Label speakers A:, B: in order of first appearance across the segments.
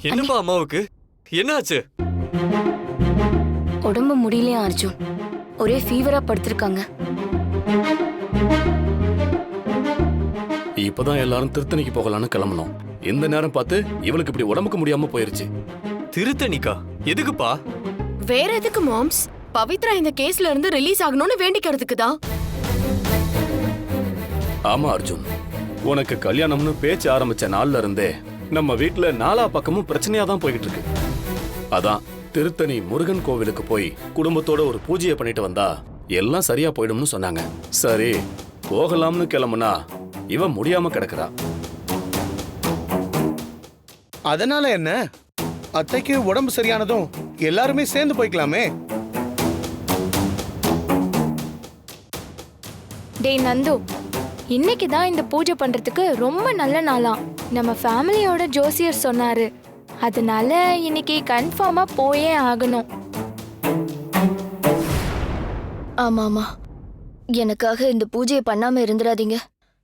A: என்னப்பா அம்மாவுக்கு என்னாச்சு?
B: உடம்பு முடியலையா அர்ஜுன்? ஒரே ஃபீவரா படுத்திருக்காங்க.
C: இப்பதான் எல்லாரும் திருத்தணிக்கு போகலான்னு கிளம்பணும். இந்த நேரம் பார்த்து இவளுக்கு இப்படி உடம்புக்கு முடியாம போயிருச்சு.
A: திருத்தணிக்கா? எதுக்குப்பா?
D: வேற எதுக்கு மாம்ஸ்? பவித்ரா இந்த கேஸ்ல இருந்து ரிலீஸ் ஆகணும்னு வேண்டிக்கிறதுக்கு தான்.
C: ஆமா அர்ஜுன், உனக்கு கல்யாணம்னு பேச்சு ஆரம்பிச்ச நாள்ல இருந்தே நம்ம வீட்டுல நாலா பக்கமும் பிரச்சனையா தான் போய்கிட்டு இருக்கு. அதான் திருத்தணி முருகன் கோவிலுக்கு போய் குடும்பத்தோட ஒரு பூஜையை பண்ணிட்டு வந்தா எல்லாம் சரியா போயிடும்னு சொன்னாங்க. சரி போகலாம்னு கிளம்புனா இவன் முடியாம கிடக்குறா.
E: அதனால என்ன? அத்தைக்கு உடம்பு சரியானதும் எல்லாருமே சேர்ந்து போய்க்கலாமே.
F: டேய் நந்து, இன்னைக்கு தான் இந்த பூஜை பண்றதுக்கு ரொம்ப நல்ல நாளாம். நம்ம ஃபேமிலியோட ஜோசியர் சொன்னாரு. அதனால இன்னைக்கு கன்ஃபார்மா போயே ஆகணும்.
B: ஆமா ஆமா, எனக்காக இந்த பூஜையை பண்ணாம இருந்துடாதீங்க.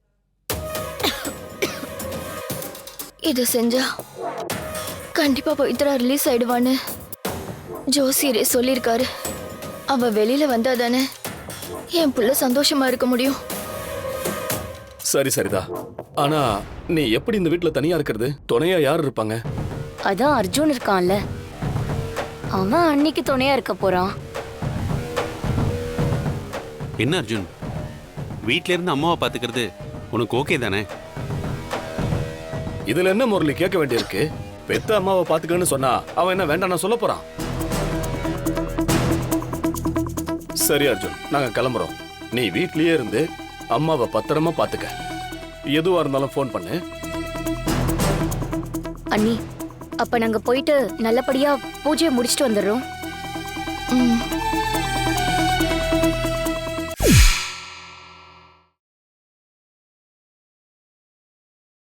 B: இது செஞ்சா கண்டிப்பா பவித்ரா ரிலீஸ் ஆயிடுவான்னு ஜோசியரே சொல்லியிருக்காரு. அவ வெளியில வந்தா தானே என் புள்ள சந்தோஷமா இருக்க முடியும்.
C: சரி சரிதா, ஆனா நீ எப்படி இந்த வீட்டுல தனியா இருக்கிறது? துணையா யார் இருப்பாங்க?
B: அதான் அர்ஜுன் இருக்கான்ல, அவன் அன்னைக்கு துணையா இருக்க போறான்.
G: என்ன அர்ஜுன், வீட்ல இருந்து அம்மாவை பாத்துக்கிறது உனக்கு ஓகே தானே?
C: இதுல என்ன முரளி கேட்க வேண்டியிருக்கு? பெத்த அம்மாவை பாத்துக்கன்னு சொன்னா அவன் என்ன வேண்டாம் சொல்ல போறான்? சரி அர்ஜுன், நாங்க கிளம்புறோம். நீ வீட்லயே இருந்து அம்மாவை பத்திரமா பாத்துக்க. எதுவா இருந்தாலும் ஃபோன் பண்ணு.
B: அண்ணி, அப்ப நாங்க போயிட்டு நல்லபடியா பூஜையை முடிச்சிட்டு வந்துடுறோம்.